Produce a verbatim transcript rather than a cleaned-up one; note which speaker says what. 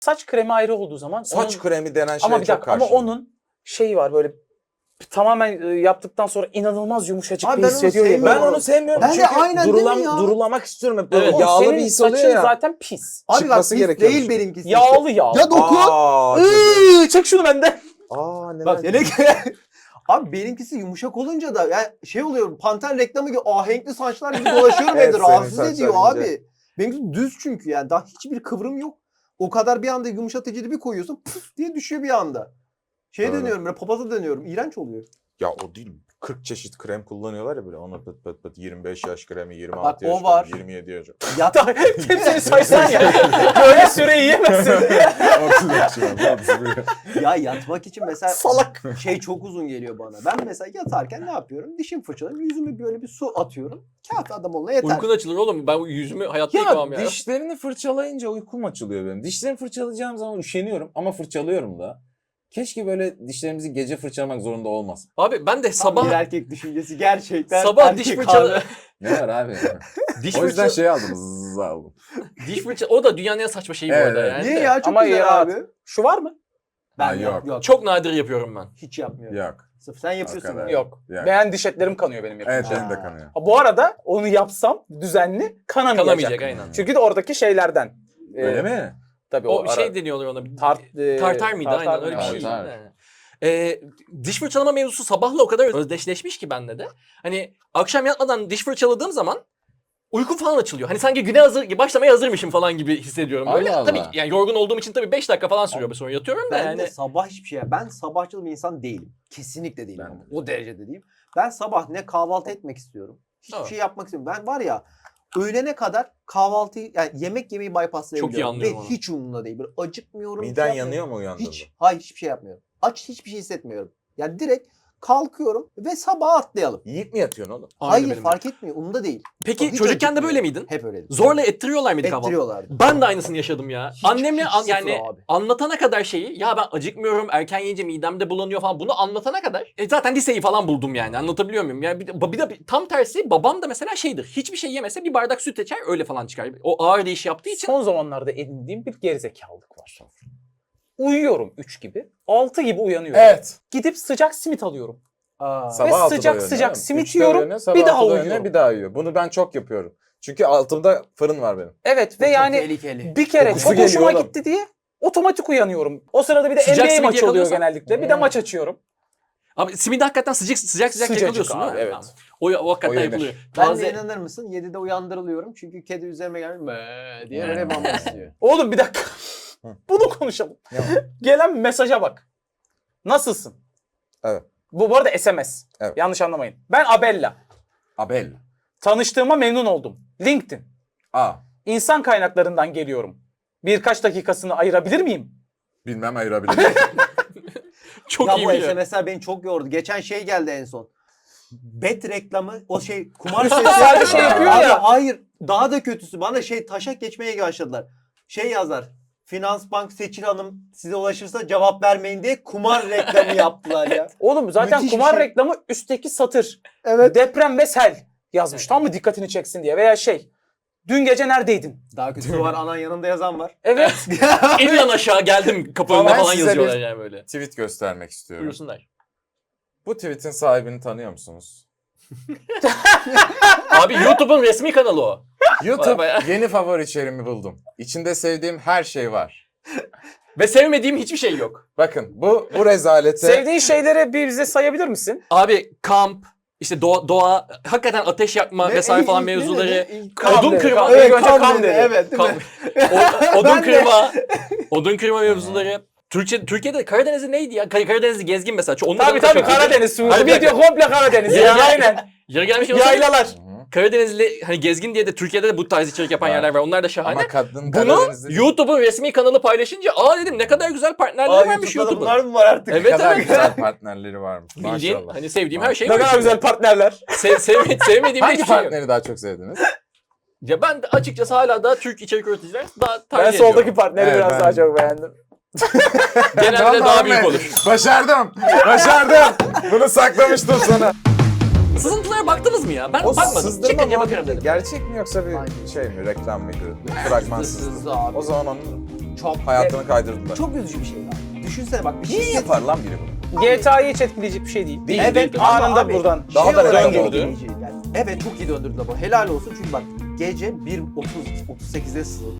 Speaker 1: Saç kremi ayrı olduğu zaman...
Speaker 2: Saç
Speaker 1: onun...
Speaker 2: kremi denen şeye
Speaker 1: ama bir
Speaker 2: çok
Speaker 1: dakika, ama
Speaker 2: karşıyım.
Speaker 1: onun şeyi var böyle tamamen yaptıktan sonra inanılmaz yumuşacık
Speaker 3: Abi
Speaker 1: bir
Speaker 3: ben onu
Speaker 1: hissediyor ya.
Speaker 3: sevmiyorum.
Speaker 2: Ben onu sevmiyorum.
Speaker 3: Ben de
Speaker 2: çünkü
Speaker 3: aynen
Speaker 2: durulam,
Speaker 3: değil mi ya?
Speaker 2: durulamak istiyorum hep böyle
Speaker 1: Evet,
Speaker 2: yağlı
Speaker 1: senin
Speaker 2: bir his oluyor
Speaker 1: saçın
Speaker 2: ya.
Speaker 1: zaten pis.
Speaker 3: Abi bak
Speaker 2: çıkması
Speaker 3: pis
Speaker 2: gerekiyormuş.
Speaker 3: değil benimkisi.
Speaker 1: Yağlı yağlı.
Speaker 3: Ya dokun.
Speaker 2: Aa, çok-
Speaker 1: Iıı, çek şunu benden.
Speaker 2: Aa neler.
Speaker 3: Bak yine Abi benimkisi yumuşak olunca da yani şey oluyor, Panter reklamı gibi ahenkli saçlar gibi dolaşıyorum
Speaker 2: Evet,
Speaker 3: evde,
Speaker 2: senin
Speaker 3: rahatsız
Speaker 2: saçlar
Speaker 3: ediyor
Speaker 2: ince.
Speaker 3: abi. Benimkisi düz çünkü yani daha hiçbir kıvrım yok. O kadar bir anda yumuşatıcı bir koyuyorsun pıf diye düşüyor bir anda. Şeye
Speaker 2: Evet.
Speaker 3: dönüyorum böyle, papaza dönüyorum, iğrenç oluyor.
Speaker 2: Ya o değil. kırk çeşit krem kullanıyorlar ya böyle. Ona pıt pıt pıt yirmi beş yaş kremi, yirmi altı
Speaker 3: Bak, o
Speaker 2: yaş
Speaker 3: var.
Speaker 2: kremi, yirmi yedi yaş.
Speaker 3: Yat
Speaker 1: Hepsini saysan ya. Böyle süreyi yiyemezsin.
Speaker 3: ya yatmak için mesela
Speaker 1: Salak.
Speaker 3: şey çok uzun geliyor bana. Ben mesela yatarken ne yapıyorum? Dişimi fırçalıyorum, yüzüme böyle bir su atıyorum. Kafi adam olana yeter.
Speaker 4: Uykun açılır oğlum. Ben yüzümü hayatta
Speaker 2: Ya
Speaker 4: yıkamam ya.
Speaker 2: dişlerini fırçalayınca uykum açılıyor benim. Dişlerimi fırçalayacağım zaman üşeniyorum ama fırçalıyorum da. Keşke böyle dişlerimizi gece fırçalamak zorunda olmasın.
Speaker 4: Abi ben de
Speaker 3: Sabah
Speaker 4: sabah
Speaker 3: bir erkek düşüncesi gerçekten.
Speaker 4: sabah
Speaker 3: erkek
Speaker 4: diş
Speaker 3: hali.
Speaker 4: fırçalı
Speaker 2: Ne var abi?
Speaker 4: diş
Speaker 2: O yüzden
Speaker 4: fırça
Speaker 2: şey aldım. Zzz aldım.
Speaker 4: diş fırça o da dünyanın en saçma şeyi
Speaker 2: Evet,
Speaker 4: bu arada
Speaker 2: evet.
Speaker 4: yani.
Speaker 3: Niye
Speaker 4: de.
Speaker 3: ya? Çok
Speaker 1: Ama
Speaker 3: güzel
Speaker 1: ya-
Speaker 3: abi.
Speaker 1: Şu var mı?
Speaker 3: Ben
Speaker 2: Ha,
Speaker 3: yok.
Speaker 2: yok.
Speaker 3: yok.
Speaker 4: Çok nadir yapıyorum ben.
Speaker 3: Hiç yapmıyorum.
Speaker 2: Yok.
Speaker 3: Sırf sen yapıyorsun.
Speaker 2: kadar.
Speaker 3: yani.
Speaker 1: Yok.
Speaker 2: Yani.
Speaker 1: Beğen diş etlerim kanıyor benim yapınca.
Speaker 2: Evet benim de
Speaker 3: Ha.
Speaker 2: kanıyor.
Speaker 1: Ha, bu arada onu yapsam düzenli kanamayacak.
Speaker 4: Kalamayacak aynen.
Speaker 1: Çünkü de oradaki şeylerden. Ee,
Speaker 2: Öyle mi?
Speaker 1: Tabii o,
Speaker 4: O
Speaker 1: ara-
Speaker 4: şey deniyorlar ona. Bir-
Speaker 1: Tart, e,
Speaker 4: tartar mıydı?
Speaker 1: tartar
Speaker 4: Aynen öyle bir
Speaker 1: mı?
Speaker 4: şey.
Speaker 2: Tartar.
Speaker 4: Yani. Ee, diş fırçalama mevzusu sabahla o kadar özdeşleşmiş ki bende de. Hani akşam yatmadan diş fırçaladığım zaman uykum falan açılıyor. Hani sanki güne hazır, başlamaya hazırmışım falan gibi hissediyorum. Böyle
Speaker 2: Allah Allah.
Speaker 4: tabii ki yani yorgun olduğum için tabii beş dakika falan sürüyor, sonra yatıyorum da
Speaker 3: Ben
Speaker 4: yani.
Speaker 3: de sabah hiçbir şey. Ben sabahçıl bir insan değilim. Kesinlikle değilim.
Speaker 2: Ben
Speaker 3: ama.
Speaker 2: de.
Speaker 3: O derecede değilim. Ben sabah ne kahvaltı etmek istiyorum. Hiçbir
Speaker 4: Evet.
Speaker 3: şey yapmak istemiyorum. Ben var ya öğlene kadar kahvaltıyı yani yemek yemeyi bypasslayabiliyorum.
Speaker 4: Çok iyi anlıyorum
Speaker 3: Ve
Speaker 4: onu.
Speaker 3: hiç umurumda değil. Böyle acıkmıyorum.
Speaker 2: Miden
Speaker 3: şey
Speaker 2: yanıyor
Speaker 3: yapmıyorum.
Speaker 2: mu uyandığında?
Speaker 3: Hiç. Hayır, hiçbir şey yapmıyorum. Aç hiçbir şey hissetmiyorum. Yani direkt kalkıyorum ve sabah atlayalım.
Speaker 2: Yiyip mi yatıyorsun oğlum?
Speaker 4: Aynı
Speaker 3: Hayır
Speaker 4: benim de.
Speaker 3: fark etmiyor. Umurumda değil.
Speaker 4: Peki
Speaker 3: Hiç
Speaker 4: çocukken de
Speaker 3: acıkmıyor.
Speaker 4: böyle miydin?
Speaker 3: Hep öyleydim.
Speaker 4: Zorla ettiriyorlar mıydı kahvaltı?
Speaker 3: ettiriyorlardı.
Speaker 4: Ben de aynısını yaşadım ya.
Speaker 3: Hiç-
Speaker 4: Annemle
Speaker 3: hiç
Speaker 4: an-
Speaker 3: sıfır
Speaker 4: yani
Speaker 3: abi.
Speaker 4: anlatana kadar şeyi, ya ben acıkmıyorum, erken yiyince midemde bulanıyor falan, bunu anlatana kadar e zaten liseyi falan buldum yani, anlatabiliyor muyum? Yani bir de, bir de tam tersi babam da mesela şeydir, hiçbir şey yemese bir bardak süt içer öyle falan çıkar. O ağır iş yaptığı için.
Speaker 1: Son zamanlarda edindiğim bir gerizekalılık var. Uyuyorum üç gibi. altı gibi uyanıyorum.
Speaker 2: Evet.
Speaker 1: Gidip sıcak simit alıyorum.
Speaker 3: Aa.
Speaker 2: Sabah
Speaker 1: Ve
Speaker 2: altıda
Speaker 1: sıcak
Speaker 2: uyanıyor,
Speaker 1: sıcak
Speaker 2: değil mi?
Speaker 1: simit
Speaker 2: Üçte
Speaker 1: yiyorum,
Speaker 2: uyanıyor, sabah
Speaker 1: bir daha
Speaker 2: altıda uyanıyor,
Speaker 1: uyuyorum.
Speaker 2: Bir daha yiyor. Bunu ben çok yapıyorum. Çünkü altımda fırın var benim.
Speaker 1: Evet ve
Speaker 3: Çok
Speaker 1: yani
Speaker 3: tehlikeli.
Speaker 1: bir kere
Speaker 2: Kokusu
Speaker 1: çok
Speaker 2: geliyor
Speaker 1: hoşuma
Speaker 2: oğlum.
Speaker 1: gitti diye otomatik uyanıyorum. O sırada bir de
Speaker 4: Sıcak
Speaker 1: N B A
Speaker 4: simit
Speaker 1: maçı oluyor
Speaker 4: yakalıyorsan-
Speaker 1: genellikle. Bir de
Speaker 2: Hmm.
Speaker 1: maç açıyorum.
Speaker 4: Abi simidi hakikaten sıcak sıcak sıcak
Speaker 1: Sıcacık
Speaker 4: yakalıyorsun
Speaker 1: abi,
Speaker 4: değil mi?
Speaker 1: evet.
Speaker 4: Tamam. O, o hakikaten
Speaker 2: O yenir.
Speaker 4: yapılıyor.
Speaker 3: Ben
Speaker 4: Taze-
Speaker 3: de inanır mısın? yedide uyandırılıyorum. Çünkü kedi üzerime gelmiş "Mee" diye böyle mama istiyor.
Speaker 1: Oğlum bir dakika.
Speaker 2: Hı.
Speaker 1: Bunu konuşalım.
Speaker 2: Ne
Speaker 1: Gelen mesaja bak. Nasılsın?
Speaker 2: Evet.
Speaker 1: Bu, bu arada S M S.
Speaker 2: Evet.
Speaker 1: Yanlış anlamayın. Ben Abella.
Speaker 2: Abel.
Speaker 1: Tanıştığıma memnun oldum. LinkedIn.
Speaker 2: A.
Speaker 1: İnsan kaynaklarından geliyorum. Birkaç dakikasını ayırabilir miyim?
Speaker 2: Bilmem ayırabilirim.
Speaker 4: Çok
Speaker 3: ya
Speaker 4: iyi
Speaker 3: bu
Speaker 4: biliyor.
Speaker 3: S M S'ler beni çok yordu. Geçen şey geldi en son. Bet reklamı, o şey kumar sitesi.
Speaker 1: Sadece şey yapıyor
Speaker 3: Abi
Speaker 1: ya.
Speaker 3: hayır, daha da kötüsü. Bana şey taşak geçmeye başladılar. Şey yazar. Finansbank Seçil Hanım size ulaşırsa cevap vermeyin diye kumar reklamı yaptılar ya.
Speaker 1: Oğlum zaten
Speaker 3: Müthiş bir
Speaker 1: kumar
Speaker 3: şey.
Speaker 1: reklamı üstteki satır.
Speaker 3: Evet.
Speaker 1: Deprem ve sel yazmış. Tam mı dikkatini çeksin diye. Veya şey. Dün gece neredeydin?
Speaker 3: Daha kötüsü var, anan yanında yazan var.
Speaker 1: Evet.
Speaker 4: En yan aşağı geldim kapı önünde
Speaker 2: Ben
Speaker 4: falan
Speaker 2: size
Speaker 4: yazıyorlar
Speaker 2: bir-
Speaker 4: yani böyle.
Speaker 2: Tweet göstermek istiyorum.
Speaker 4: Buyursunlar.
Speaker 2: Bu tweetin sahibini tanıyor musunuz?
Speaker 4: Abi YouTube'un resmi kanalı o.
Speaker 2: YouTube
Speaker 4: Bayağı.
Speaker 2: yeni favori içeriğimi buldum. İçinde sevdiğim her şey var.
Speaker 4: Ve sevmediğim hiçbir şey yok.
Speaker 2: Bakın bu bu rezalete
Speaker 1: Sevdiğin şeyleri bir bize sayabilir misin?
Speaker 4: Abi kamp, işte doğa, doğa hakikaten ateş yakma
Speaker 3: Ne-
Speaker 4: vesaire
Speaker 3: ilk-
Speaker 4: falan
Speaker 3: ilk ne
Speaker 4: mevzuları.
Speaker 3: dedi? İlk
Speaker 1: Kam
Speaker 4: Odun
Speaker 1: dedi,
Speaker 4: kırma.
Speaker 1: kam-
Speaker 3: Evet,
Speaker 1: İlk önce
Speaker 3: kam
Speaker 1: kam
Speaker 3: dedi,
Speaker 1: dedi.
Speaker 3: evet, değil mi?
Speaker 4: Kam- o- odun
Speaker 3: Ben de-
Speaker 4: kırma. Odun kırma mevzuları. Türkçe, Türkiye'de Karadeniz'i neydi ya? Kar- Karadeniz'i gezgin mesela. Onun
Speaker 1: Tabii
Speaker 4: da
Speaker 1: tabii
Speaker 4: çok-
Speaker 1: Karadeniz.
Speaker 4: Hayır, bir
Speaker 1: Video komple Karadeniz.
Speaker 4: Ya,
Speaker 1: Ya,
Speaker 4: ya.
Speaker 1: aynen.
Speaker 4: Yeri gelmiş
Speaker 1: Yaylalar.
Speaker 2: Hı hı.
Speaker 4: Karadenizli hani gezgin diye de Türkiye'de de bu tarz içerik yapan
Speaker 2: Var.
Speaker 4: yerler var. Onlar da şahane.
Speaker 2: Ama kadın
Speaker 4: Bunu
Speaker 2: Karadeniz'de
Speaker 4: YouTube'un resmi kanalı paylaşınca aa dedim ne kadar güzel partnerler
Speaker 3: Aa,
Speaker 4: varmış
Speaker 3: YouTube'da da
Speaker 4: YouTube'un.
Speaker 3: bunlar mı var artık?
Speaker 2: ne
Speaker 4: Evet
Speaker 2: kadar
Speaker 4: evet.
Speaker 2: güzel partnerleri varmış.
Speaker 4: Bildiğin
Speaker 2: Maşallah.
Speaker 4: hani sevdiğim her şey
Speaker 1: Ne
Speaker 4: var.
Speaker 1: kadar
Speaker 4: içinde.
Speaker 1: güzel partnerler.
Speaker 4: Sev, sevme, sevmediğim
Speaker 2: Hangi
Speaker 4: hiçbir şey yok.
Speaker 2: partneri daha çok sevdiniz?
Speaker 4: Ya ben de açıkçası hala da Türk içerik üreticiler daha tercih
Speaker 1: Ben
Speaker 4: ediyorum.
Speaker 1: soldaki partneri
Speaker 2: Evet,
Speaker 1: biraz
Speaker 2: ben-
Speaker 1: daha çok beğendim.
Speaker 4: Genelde daha büyük olur.
Speaker 2: Başardım. Başardım. Bunu saklamıştım sana.
Speaker 4: Sızıntılara baktınız mı ya? Ben
Speaker 2: O
Speaker 4: bakmadım.
Speaker 2: sızdırma
Speaker 4: Çıkınca
Speaker 2: muhabbeti
Speaker 4: bakarım dedim.
Speaker 2: gerçek mi yoksa bir
Speaker 3: Aynen.
Speaker 2: şey mi? Reklam mıydı? Fragman
Speaker 3: Hızlı
Speaker 2: sızdı.
Speaker 3: hızlı abi.
Speaker 2: O zaman onu
Speaker 3: Çok.
Speaker 2: Hayatını kaydırdılar.
Speaker 3: Çok üzücü bir şey abi. Düşünsene bak bir şey.
Speaker 2: Niye yapar lan biri bunu?
Speaker 1: G T A'yı hiç etkileyecek bir şey değil.
Speaker 4: Değil,
Speaker 3: Evet,
Speaker 4: değil, değil.
Speaker 3: ama
Speaker 5: Anında
Speaker 3: abi,
Speaker 5: buradan
Speaker 2: Daha
Speaker 3: şey
Speaker 2: da
Speaker 3: olarak
Speaker 2: döndürdü.
Speaker 3: etkileyici. Yani evet çok iyi döndürdüler bu. Helal olsun çünkü bak gece bir otuz otuz sekize sığ